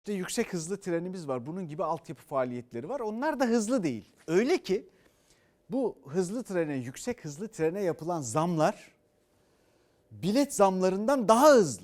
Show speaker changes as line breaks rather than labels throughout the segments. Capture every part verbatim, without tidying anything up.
İşte yüksek hızlı trenimiz var. Bunun gibi altyapı faaliyetleri var. Onlar da hızlı değil. Öyle ki bu hızlı trene, yüksek hızlı trene yapılan zamlar bilet zamlarından daha hızlı.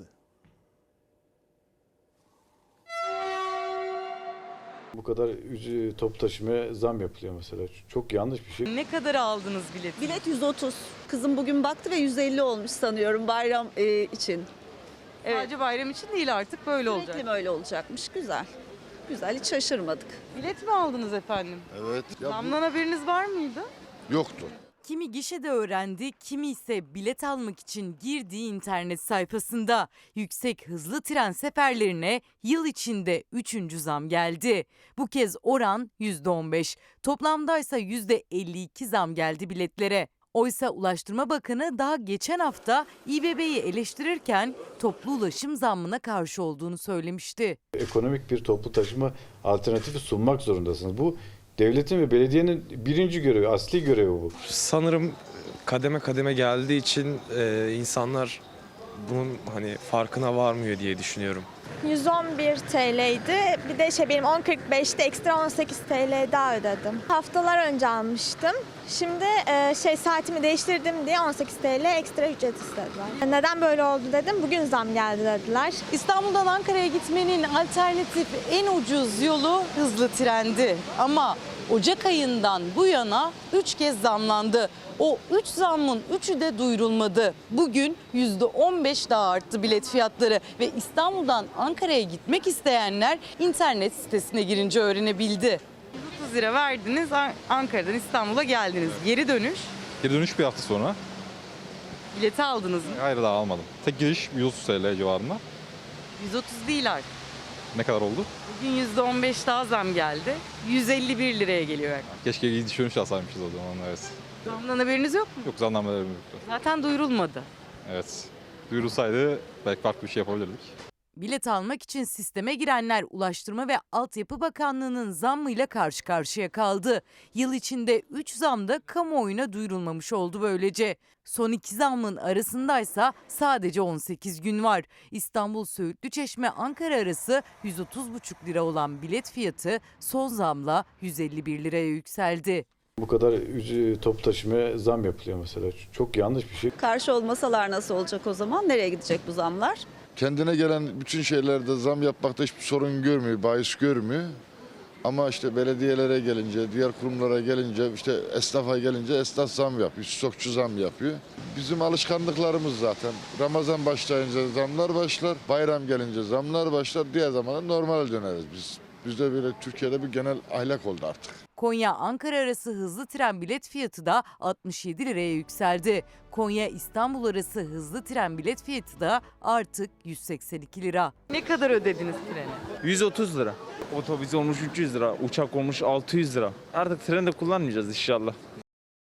Bu kadar top taşımaya zam yapılıyor mesela. Çok yanlış bir şey.
Ne kadar aldınız bileti?
Bilet yüz otuz. Kızım bugün baktı ve yüz elli olmuş sanıyorum bayram e, için. Evet.
Sadece bayram için değil, artık böyle olacak.
Sürekli mi öyle olacakmış? Güzel. Güzel, hiç şaşırmadık.
Bilet mi aldınız efendim?
Evet. Ya
Zamdan haberiniz var mıydı?
bu yoktu.
Kimi gişede öğrendi, kimi ise bilet almak için girdiği internet sayfasında. Yüksek hızlı tren seferlerine yıl içinde üçüncü zam geldi. Bu kez oran yüzde on beş. Toplamdaysa yüzde elli iki zam geldi biletlere. Oysa Ulaştırma Bakanı daha geçen hafta İBB'yi eleştirirken toplu ulaşım zammına karşı olduğunu söylemişti.
Ekonomik bir toplu taşıma alternatifi sunmak zorundasınız. Bu devletin ve belediyenin birinci görevi, asli görevi bu.
Sanırım kademe kademe geldiği için e, insanlar bunun hani farkına varmıyor diye düşünüyorum.
yüz on bir T L'ydi. Bir de şey benim on kırk beşte ekstra on sekiz T L daha ödedim. Haftalar önce almıştım. Şimdi e, şey saatimi değiştirdim diye on sekiz T L ekstra ücret istediler. Neden böyle oldu dedim. Bugün zam geldi dediler.
İstanbul'dan Ankara'ya gitmenin alternatif en ucuz yolu hızlı trendi. Ama Ocak ayından bu yana üç kez zamlandı. O üç zammın üçü de duyurulmadı. Bugün yüzde on beş daha arttı bilet fiyatları ve İstanbul'dan Ankara'ya gitmek isteyenler internet sitesine girince öğrenebildi. yüz otuz lira verdiniz, Ankara'dan İstanbul'a geldiniz. Geri dönüş,
Geri dönüş bir hafta sonra.
bileti aldınız mı?
Hayır, daha almadım. Tek giriş yüz otuz T L civarında.
yüz otuz değil artık.
Ne kadar oldu?
Bugün yüzde on beş daha zam geldi. yüz elli bir liraya geliyor.
Keşke gidiş dönüş alsaymışız o zaman, evet.
Zamdan haberiniz yok mu?
Yok, zamlanmalarım yoktu.
Zaten duyurulmadı.
Evet. Duyurulsaydı belki farklı bir şey yapabilirdik.
Bilet almak için sisteme girenler Ulaştırma ve Altyapı Bakanlığı'nın zammıyla karşı karşıya kaldı. Yıl içinde üç zam da kamuoyuna duyurulmamış oldu böylece. Son iki zammın arasındaysa sadece on sekiz gün var. İstanbul Söğütlü Çeşme Ankara arası yüz otuz buçuk lira olan bilet fiyatı son zamla yüz elli bir liraya yükseldi.
Bu kadar top taşımaya zam yapılıyor mesela. Çok yanlış bir şey.
Karşı olmasalar nasıl olacak o zaman? Nereye gidecek bu zamlar?
Kendine gelen bütün şeylerde zam yapmakta hiçbir sorun görmüyor, bahis görmüyor. Ama işte belediyelere gelince, diğer kurumlara gelince, işte esnafa gelince esnaf zam yapıyor, stokçu zam yapıyor. Bizim alışkanlıklarımız zaten. Ramazan başlayınca zamlar başlar, bayram gelince zamlar başlar, diğer zamanda normal döneriz biz. Bizde böyle Türkiye'de bir genel ahlak oldu artık.
Konya-Ankara arası hızlı tren bilet fiyatı da altmış yedi liraya yükseldi. Konya-İstanbul arası hızlı tren bilet fiyatı da artık yüz seksen iki lira.
Ne kadar ödediniz trene?
yüz otuz lira. Otobüs olmuş üç yüz lira, uçak olmuş altı yüz lira. Artık tren de kullanmayacağız inşallah.